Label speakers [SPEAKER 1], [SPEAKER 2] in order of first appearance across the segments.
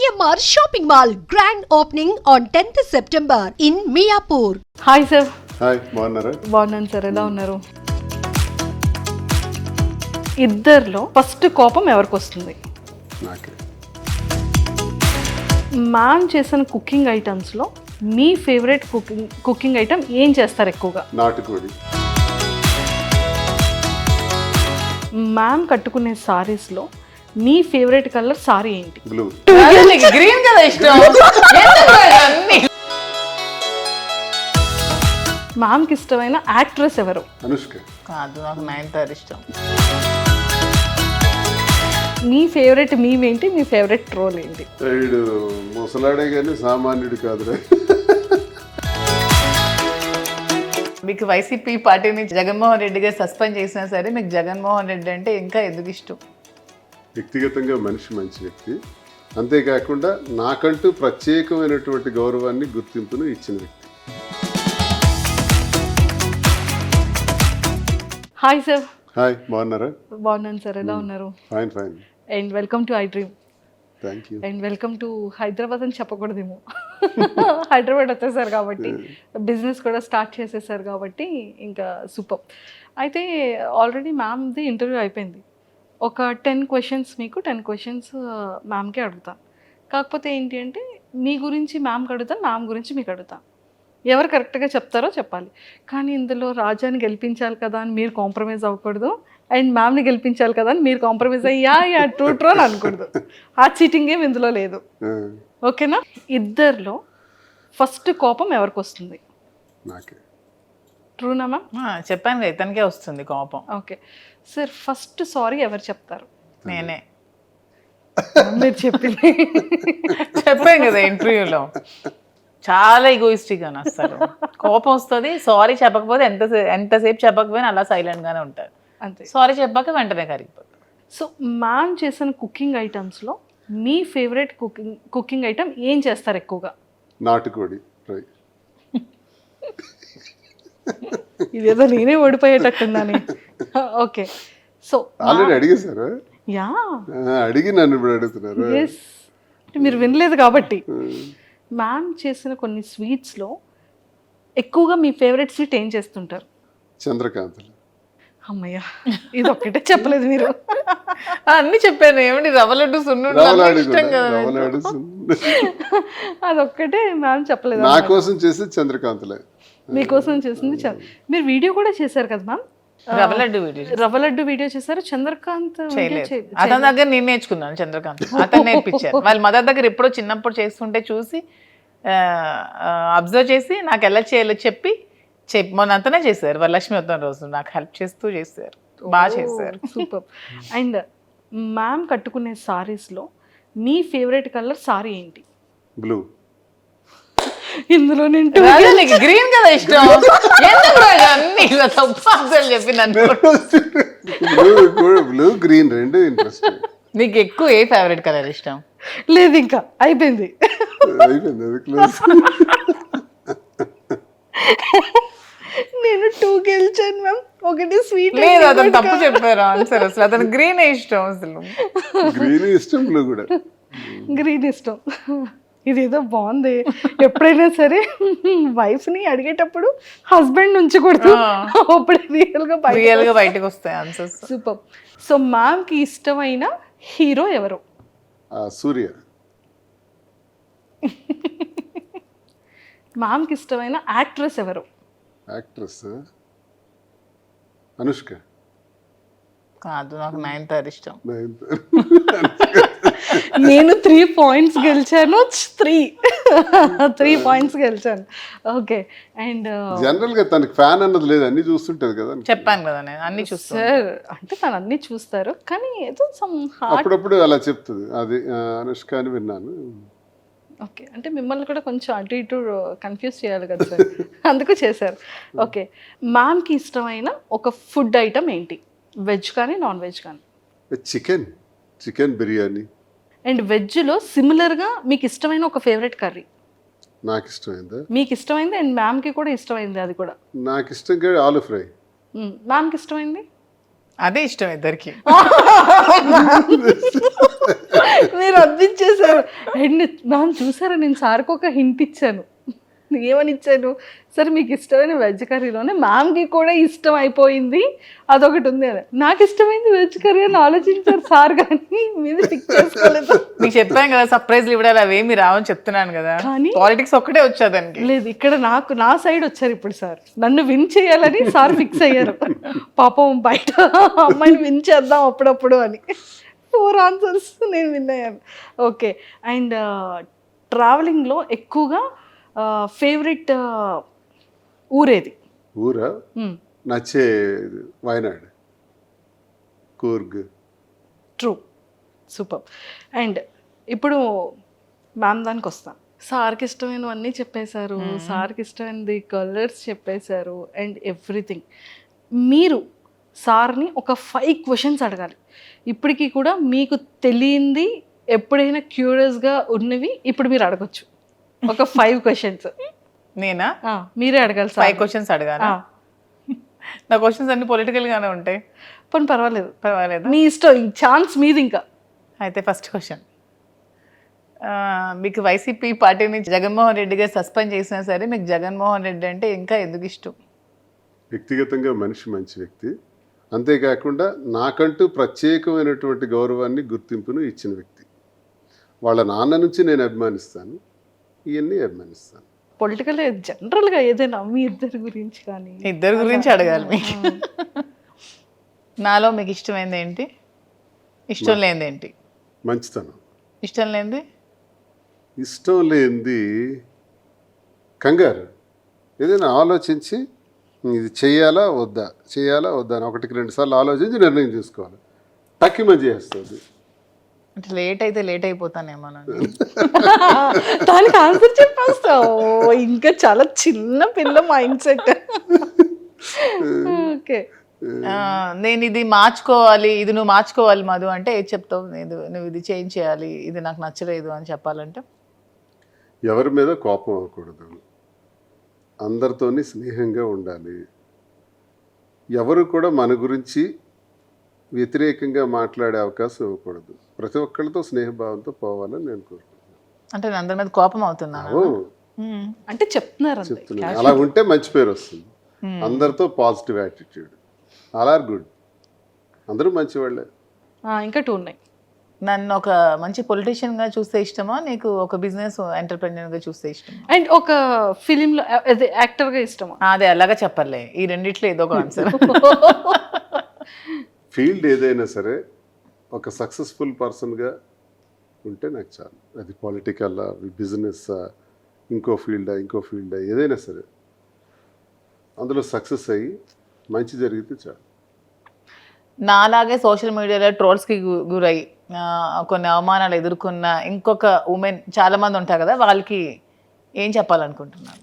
[SPEAKER 1] GMR Shopping Mall grand opening on 10th September in Miapur.
[SPEAKER 2] Hi sir.
[SPEAKER 3] Hi బాగున్నారా?
[SPEAKER 2] బాగున్నాను sir, ఎలా ఉన్నారు? ఇద్దరిలో ఫస్ట్ కోపం ఎవరికి వస్తుంది?
[SPEAKER 3] నాకే.
[SPEAKER 2] మ్యామ్ చేసిన కుకింగ్ ఐటమ్స్లో మీ ఫేవరెట్ కుకింగ్ ఐటమ్ ఏం చేస్తారు ఎక్కువగా?
[SPEAKER 3] నాటుకోడి.
[SPEAKER 2] మ్యామ్ కట్టుకునే సారీస్లో మీ ఫేవరెట్ కలర్ సారీ ఏంటి?
[SPEAKER 3] బ్లూ.
[SPEAKER 4] గ్రీన్ కదా ఇష్టం.
[SPEAKER 2] మ్యామ్కి ఇష్టమైన యాక్ట్రెస్ ఎవరు?
[SPEAKER 3] అనుష్క.
[SPEAKER 4] కాదు, నాకు నయనతార ఇష్టం.
[SPEAKER 2] మీ ఫేవరెట్ మీమ్ ఏంటి? మీ ఫేవరెట్ ట్రోల్ ఏంటి?
[SPEAKER 3] వీడు ముసలాడే కానీ సామాన్యుడు కాదురా.
[SPEAKER 4] మీకు వైసీపీ పార్టీ నుంచి జగన్మోహన్ రెడ్డి గారు సస్పెండ్ చేసినా సరే మీకు జగన్మోహన్ రెడ్డి అంటే ఇంకా ఎందుకు ఇష్టం?
[SPEAKER 3] వ్యక్తిగతంగా మనిషి మంచి వ్యక్తి, అంతేకాకుండా నాకంటూ ప్రత్యేకమైనటువంటి గౌరవాన్ని గుర్తింపును ఇచ్చిన వ్యక్తి.
[SPEAKER 2] Hi sir.
[SPEAKER 3] హాయ్ బాగున్నారా?
[SPEAKER 2] బాగున్నాను సార్, ఎలా ఉన్నారు?
[SPEAKER 3] Fine fine.
[SPEAKER 2] And welcome to I dream.
[SPEAKER 3] Thank you.
[SPEAKER 2] And welcome to Hyderabad అని చెప్పకూడదేమో, హైదరాబాద్ వచ్చేసారు కాబట్టి, బిజినెస్ కూడా స్టార్ట్ చేసేసారు కాబట్టి ఇంకా సూపర్. అయితే ఆల్రెడీ మ్యామ్ది ఇంటర్వ్యూ అయిపోయింది. ఒక 10 క్వశ్చన్స్ మీకు, 10 క్వశ్చన్స్ మ్యామ్కే అడుగుతాను. కాకపోతే ఏంటి అంటే మీ గురించి మ్యామ్కి అడుగుతాను, మ్యామ్ గురించి మీకు అడుగుతాను. ఎవరు కరెక్ట్గా చెప్తారో చెప్పాలి. కానీ ఇందులో రాజాని గెలిపించాలి కదా అని మీరు కాంప్రమైజ్ అవ్వకూడదు, అండ్ మ్యామ్ని గెలిపించాలి కదా అని మీరు కాంప్రమైజ్ అయ్యా ట్రూ అని అనకూడదు. ఆ చీటింగ్ ఏం ఇందులో లేదు, ఓకేనా? ఇద్దరిలో ఫస్ట్ కోపం ఎవరికి వస్తుంది?
[SPEAKER 3] నాకే.
[SPEAKER 2] ట్రూనా మ్యామ్?
[SPEAKER 4] చెప్పాను కదా, ఇతనికే వస్తుంది కోపం.
[SPEAKER 2] ఓకే సార్, ఫస్ట్ సారీ ఎవరు చెప్తారు?
[SPEAKER 4] నేనే
[SPEAKER 2] మీరు చెప్పింది
[SPEAKER 4] చెప్పాను కదా ఇంటర్వ్యూలో. చాలా ఈగోయిస్టిక్ అని అసలు కోపం వస్తుంది. సారీ చెప్పకపోతే ఎంతసేపు చెప్పకపోయినా అలా సైలెంట్గానే ఉంటారు.
[SPEAKER 2] అంతే.
[SPEAKER 4] సారీ చెప్పాక వెంటనే కరిగిపోతారు.
[SPEAKER 2] సో మ్యామ్ చేసిన కుకింగ్ ఐటమ్స్లో మీ ఫేవరెట్ కుకింగ్ ఐటమ్ ఏం చేస్తారు ఎక్కువగా?
[SPEAKER 3] నాటుకోడి ఫ్రై.
[SPEAKER 2] ఇదేదో నేనే ఓడిపోయేటట్టుందని. ఓకే, సో
[SPEAKER 3] ఆల్రెడీ అడిగేశారు.
[SPEAKER 2] యా,
[SPEAKER 3] అడిగి నన్ను ఇప్పుడు అడుగుతున్నారు.
[SPEAKER 2] ఎస్, మీరు వినలేదు కాబట్టి. మ్యామ్ చేసిన కొన్ని స్వీట్స్లో ఎక్కువగా మీ ఫేవరెట్ స్వీట్ ఏం చేస్తుంటారు?
[SPEAKER 3] చంద్రకాంతలు.
[SPEAKER 2] అమ్మయ్య, ఇది ఒక్కటే చెప్పలేదు మీరు.
[SPEAKER 4] అన్ని చెప్పాను. ఏమండి రవ్వ లడ్డు సున్నుండలు ఇష్టం కదా.
[SPEAKER 2] అదొక్కటే మ్యామ్ చెప్పలేదు.
[SPEAKER 3] నా కోసం చేసి చంద్రకాంతలే.
[SPEAKER 2] మీకోసం చేసింది మీరు వీడియో కూడా చేశారు కదా మ్యామ్? రవ్వ లడ్డు వీడియో చేశారు. చంద్రకాంత్
[SPEAKER 4] అతని దగ్గర నేను నేర్చుకున్నాను. చంద్రకాంత్ అతను నేర్పించారు. వాళ్ళ మదర్ దగ్గర ఎప్పుడో చిన్నప్పుడు చేస్తుంటే చూసి అబ్జర్వ్ చేసి నాకు ఎలా చేయాలో చెప్పి మొన్న అంతనే చేశారు. వాళ్ళ లక్ష్మీ వద్దన రోజు నాకు హెల్ప్ చేస్తూ చేశారు. బాగా చేశారు.
[SPEAKER 2] సూపర్. అండ్ మ్యామ్ కట్టుకునే సారీస్లో మీ ఫేవరెట్ కలర్ సారీ ఏంటి?
[SPEAKER 3] బ్లూ.
[SPEAKER 2] ఇందులో
[SPEAKER 4] నీకు గ్రీన్ కదా ఇష్టం. అన్ని చెప్పి నన్ను
[SPEAKER 3] బ్లూ గ్రీన్ రెండు ఇంట్రెస్ట్.
[SPEAKER 4] నీకు ఎక్కువ ఏ ఫేవరెట్ కలర్ ఇష్టం?
[SPEAKER 2] లేదు, ఇంకా అయిపోయింది. నేను 2 గెలిచాను మ్యామ్, ఒకటి స్వీట్.
[SPEAKER 4] లేదు, అతను తప్పు చెప్పారు ఆన్సర్. అసలు అతను గ్రీన్ ఇష్టం. అసలు
[SPEAKER 3] గ్రీన్ ఇష్టం, బ్లూ కూడా.
[SPEAKER 2] గ్రీన్ ఇష్టం. ఇదేదో బాగుంది. ఎప్పుడైనా సరే వైఫ్ని అడిగేటప్పుడు హస్బెండ్ నుంచి కొడుతూ అప్పుడు రియల్గా
[SPEAKER 4] బయటకు వస్తాయి ఆన్సర్స్.
[SPEAKER 2] సూపర్. సో మ్యామ్కి ఇష్టమైన హీరో ఎవరు?
[SPEAKER 3] సూర్య.
[SPEAKER 2] మ్యామ్కి ఇష్టమైన యాక్ట్రెస్ ఎవరు?
[SPEAKER 3] యాక్ట్రెస్ అనుష్క.
[SPEAKER 4] కాదు, నాకు నయనతార ఇష్టం.
[SPEAKER 2] నేను 3 పాయింట్స్ గెలిచాను. 3 పాయింట్స్ గెలిచాను. ఓకే. అండ్
[SPEAKER 3] జనరల్ గా తనకి ఫ్యాన్ అన్నది లేదు, అన్ని చూస్తుంటది కదా.
[SPEAKER 4] చెప్పాను కదా నేను అన్ని చూస్తాను
[SPEAKER 2] సార్. అంటే తను అన్ని చూస్తారు కానీ ఏదో సమ్
[SPEAKER 3] అప్పుడప్పుడు అలా చెప్తుంది. అది అనుష్క అని విన్నాను.
[SPEAKER 2] ఓకే, అంటే మిమ్మల్ని కూడా కొంచెం అటు ఇటు కన్ఫ్యూజ్ చేయాలి కదా సార్, అందుకు చేశారు. ఓకే, మ్యామ్కి ఇష్టమైన ఒక ఫుడ్ ఐటమ్ ఏంటి? వెజ్ కానీ నాన్ వెజ్ కానీ?
[SPEAKER 3] చికెన్ బిర్యానీ.
[SPEAKER 2] అండ్ వెజ్లో సిమిలర్గా మీకు ఇష్టమైన ఒక ఫేవరెట్ కర్రీ?
[SPEAKER 3] నాకు ఇష్టమైందా?
[SPEAKER 2] మీకు ఇష్టమైంది అండ్ మ్యామ్కి కూడా ఇష్టమైంది అది కూడా?
[SPEAKER 3] నాకు ఇష్టం ఆలు ఫ్రై.
[SPEAKER 2] మ్యామ్కి ఇష్టమైంది?
[SPEAKER 4] అదే ఇష్టం ఇద్దరికి.
[SPEAKER 2] మీరు అందించేశారు. అండ్ మ్యామ్ చూసారా, నేను సార్కి ఒక హింట్ ఇచ్చాను. ఏమని ఇచ్చాను, సరే మీకు ఇష్టమైన వెజ్ కర్రీలోనే మ్యామ్కి కూడా ఇష్టం అయిపోయింది అదొకటి ఉంది అని. నాకు ఇష్టమైంది వెజ్ కర్రీ అని ఆలోచించారు సార్, కానీ మీద పిక్ చేసుకోలేదు.
[SPEAKER 4] మీకు చెప్పాను కదా సర్ప్రైజ్లు ఇవ్వడాలి అవేమి రావని చెప్తున్నాను కదా,
[SPEAKER 2] కానీ
[SPEAKER 4] పాలిటిక్స్ ఒక్కటే వచ్చేదానికి.
[SPEAKER 2] లేదు, ఇక్కడ నా సైడ్ వచ్చారు ఇప్పుడు సార్. నన్ను విన్ చేయాలని సార్ ఫిక్స్ అయ్యారు. పాపం బయట అమ్మాయిని విన్ చేద్దాం అప్పుడప్పుడు అని. 4 ఆన్సర్స్ నేను విన్ అయ్యాను. ఓకే. అండ్ ట్రావెలింగ్లో ఎక్కువగా ఫేవరెట్ ఊరేది?
[SPEAKER 3] ఊరా నచ్చే Wayanad, Coorg.
[SPEAKER 2] True, super. And ఇప్పుడు మ్యామ్ దానికి వస్తాం. సార్కి ఇష్టమైనవన్నీ చెప్పేశారు, సార్కి ఇష్టమైనది కలర్స్ చెప్పేశారు అండ్ ఎవ్రీథింగ్. మీరు సార్ని ఒక 5 క్వశ్చన్స్ అడగాలి. ఇప్పటికీ కూడా మీకు తెలియంది, ఎప్పుడైనా క్యూరియస్గా ఉన్నవి ఇప్పుడు మీరు అడగొచ్చు. ఒక 5 క్వశ్చన్స్
[SPEAKER 4] నేనా?
[SPEAKER 2] మీరే అడగాలి.
[SPEAKER 4] 5 క్వశ్చన్స్ అడగాలి. నా క్వశ్చన్స్ అన్ని పొలిటికల్ గానే ఉంటాయి.
[SPEAKER 2] पण పర్వాలేదు,
[SPEAKER 4] పర్వాలేదు,
[SPEAKER 2] మీ ఇష్టం, ఈ ఛాన్స్ మీది. ఇంకా
[SPEAKER 4] అయితే ఫస్ట్ క్వశ్చన్, మీకు వైసీపీ పార్టీని జగన్మోహన్ రెడ్డి గారు సస్పెండ్ చేసినా సరే మీకు జగన్మోహన్ రెడ్డి అంటే ఇంకా ఎందుకు ఇష్టం?
[SPEAKER 3] వ్యక్తిగతంగా మనిషి మంచి వ్యక్తి, అంతేకాకుండా నాకంటూ ప్రత్యేకమైనటువంటి గౌరవాన్ని గుర్తింపును ఇచ్చిన వ్యక్తి. వాళ్ళ నాన్న నుంచి నేను అభిమానిస్తాను, ఇవన్నీ అభిమానిస్తాను.
[SPEAKER 2] పొలిటికల్ జనరల్గా ఏదైనా మీ ఇద్దరి గురించి కానీ?
[SPEAKER 4] ఇద్దరి గురించి అడగాలి మీకు. నాలో మీకు ఇష్టమైంది ఏంటి, ఇష్టం లేనిది ఏంటి?
[SPEAKER 3] మంచితనం.
[SPEAKER 4] ఇష్టం లేనిది?
[SPEAKER 3] ఇష్టం లేనిది కంగారు. ఏదైనా ఆలోచించి ఇది చేయాలా వద్దా అని 1-2 సార్లు ఆలోచించి నిర్ణయం తీసుకోవాలి. టక్కిమని చేస్తుంది.
[SPEAKER 4] అంటే లేట్ అయితే లేట్ అయిపోతానేమోనండి.
[SPEAKER 2] దానికి ఆన్సర్ చెప్పేస్తావు. ఇంకా చాలా చిన్న పిల్ల మైండ్ సెట్. ఓకే.
[SPEAKER 4] నేను ఇది మార్చుకోవాలి, ఇది నువ్వు మార్చుకోవాలి మధు అంటే ఏది చెప్తావు? నువ్వు ఇది చేంజ్ చేయాలి, ఇది నాకు నచ్చలేదు అని చెప్పాలంటే?
[SPEAKER 3] ఎవరి మీద కోపం అవ్వకూడదు, అందరితోని స్నేహంగా ఉండాలి, ఎవరు కూడా మన గురించి వ్యతిరేకంగా మాట్లాడే అవకాశం ఇవ్వకూడదు, ప్రతి ఒక్కరితో స్నేహభావంతో పోవాలని నేను కోరుకుంటున్నాను.
[SPEAKER 4] అంటే నేను అందరి మీద కోపం అవుతున్నాను
[SPEAKER 2] అంటే చెప్తున్నారు.
[SPEAKER 3] అలా ఉంటే మంచి పేరు వస్తుంది. అందరితో positive attitude, all are good, అందరూ మంచివాళ్ళే.
[SPEAKER 2] ఇంకా 2 ఉన్నాయి.
[SPEAKER 4] నన్ను ఒక మంచి పొలిటీషియన్ గా చూస్తే ఇష్టమా, నీకు ఒక బిజినెస్ ఎంటర్ప్రెన్యూర్ గా చూస్తే ఇష్టమా,
[SPEAKER 2] అండ్ ఒక ఫిలిం లో యాక్టర్ గా ఇష్టమా?
[SPEAKER 4] అదే అలాగా చెప్పలే, ఈ రెండిట్లో ఏదో ఒక ఆన్సర్.
[SPEAKER 3] ఫీల్డ్ ఏదైనా సరే ఒక సక్సెస్ఫుల్ పర్సన్గా ఉంటే నాకు చాలు. అది పొలిటికల్, బిజినెస్, ఇంకో ఫీల్డా ఏదైనా సరే అందులో సక్సెస్ అయ్యి మంచి జరిగితే చాలు.
[SPEAKER 4] నాలాగే సోషల్ మీడియాలో ట్రోల్స్కి గురై కొన్ని అవమానాలు ఎదుర్కొన్న ఇంకొక ఉమెన్ చాలామంది ఉంటారు కదా, వాళ్ళకి ఏం చెప్పాలనుకుంటున్నాను?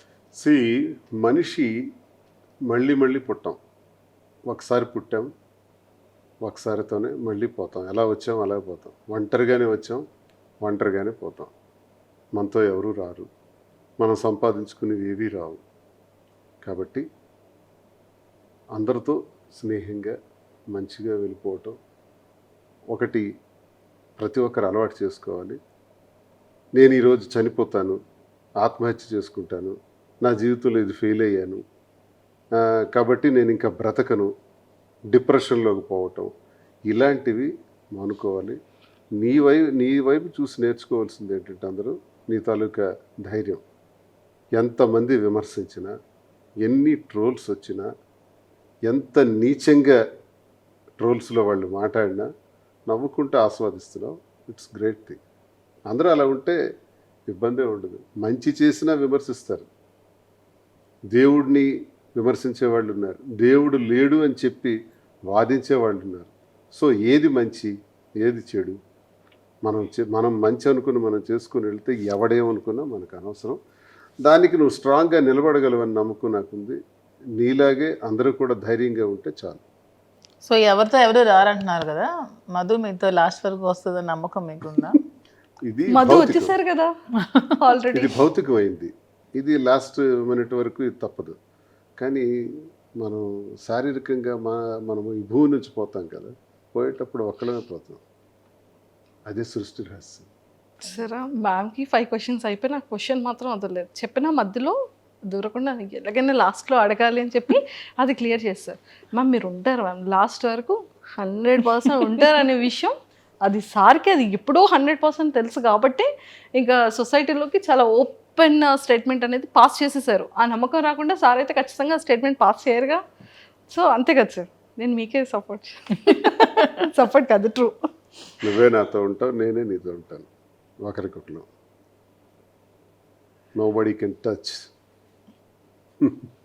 [SPEAKER 3] మనిషి మళ్ళీ పుట్టాం, ఒకసారి పుట్టాం, ఒకసారితోనే మళ్ళీ పోతాం. ఎలా వచ్చాం అలా పోతాం. ఒంటరిగానే వచ్చాం, ఒంటరిగానే పోతాం. మనతో ఎవరు రారు, మనం సంపాదించుకునేవి ఏవీ రావు. కాబట్టి అందరితో స్నేహంగా మంచిగా వెళ్ళిపోవటం ఒకటి ప్రతి ఒక్కరు అలవాటు చేసుకోవాలి. నేను ఈరోజు చనిపోతాను, ఆత్మహత్య చేసుకుంటాను, నా జీవితంలో ఇది ఫెయిల్ అయ్యాను కాబట్టి నేను ఇంకా బ్రతకను, డిప్రెషన్లోకి పోవటం, ఇలాంటివి మానుకోవాలి. నీ వైపు చూసి నేర్చుకోవాల్సింది ఏంటంటే అందరూ నీ తాలూకా ధైర్యం. ఎంతమంది విమర్శించినా, ఎన్ని ట్రోల్స్ వచ్చినా, ఎంత నీచంగా ట్రోల్స్లో వాళ్ళు మాట్లాడినా నవ్వుకుంటూ ఆస్వాదిస్తున్నావు. It's great thing. అందరూ అలా ఉంటే ఇబ్బందే ఉండదు. మంచి చేసినా విమర్శిస్తారు, దేవుడిని విమర్శించే వాళ్ళు ఉన్నారు, దేవుడు లేడు అని చెప్పి వాదించే వాళ్ళు ఉన్నారు. సో ఏది మంచి ఏది చెడు మనం మంచి అనుకుని మనం చేసుకుని వెళ్తే ఎవడేమనుకున్నా మనకు అనవసరం. దానికి నువ్వు స్ట్రాంగ్గా నిలబడగలవని నమ్మకం నాకుంది. నీలాగే అందరూ కూడా ధైర్యంగా ఉంటే చాలు.
[SPEAKER 4] సో ఎవరితో ఎవరు రారంటున్నారు కదా, మధు మీతో లాస్ట్ వరకు వస్తుందని నమ్మకం మీకుందా?
[SPEAKER 3] ఇది
[SPEAKER 2] మధు వచ్చేసారు కదా ఆల్రెడీ,
[SPEAKER 3] ఇది భౌతికమైంది. ఇది లాస్ట్ మినిట్ వరకు ఇది తప్పదు. కానీ మనం శారీరకంగా మనము ఈ భూమి నుంచి పోతాం కదా, పోయేటప్పుడు ఒక్కడమే పోతాం. అదే సృష్టి రహస్యం.
[SPEAKER 2] సరే మ్యామ్కి 5 క్వశ్చన్స్ అయిపోయి నాకు క్వశ్చన్ మాత్రం వదలలేదు. చెప్పిన మధ్యలో దూరకుండా ఎలాగైనా లాస్ట్లో అడగాలి అని చెప్పి అది క్లియర్ చేస్తారు. మ్యామ్ మీరు ఉంటారు మ్యామ్ లాస్ట్ వరకు 100% ఉంటారు అనే విషయం అది సార్కి అది ఎప్పుడో 100% తెలుసు కాబట్టి ఇంకా సొసైటీలోకి చాలా ఓపెన్ స్టేట్మెంట్ అనేది పాస్ చేసేసారు. ఆ నమ్మకం రాకుండా సార్ అయితే ఖచ్చితంగా స్టేట్మెంట్ పాస్ చేయరుగా. సో అంతే కదా సార్, నేను మీకే సపోర్ట్ కాదు ట్రూ.
[SPEAKER 3] నువ్వే నాతో ఉంటావు, నేనే నీతో ఉంటాను. ఒకరికొకరు. Nobody can touch.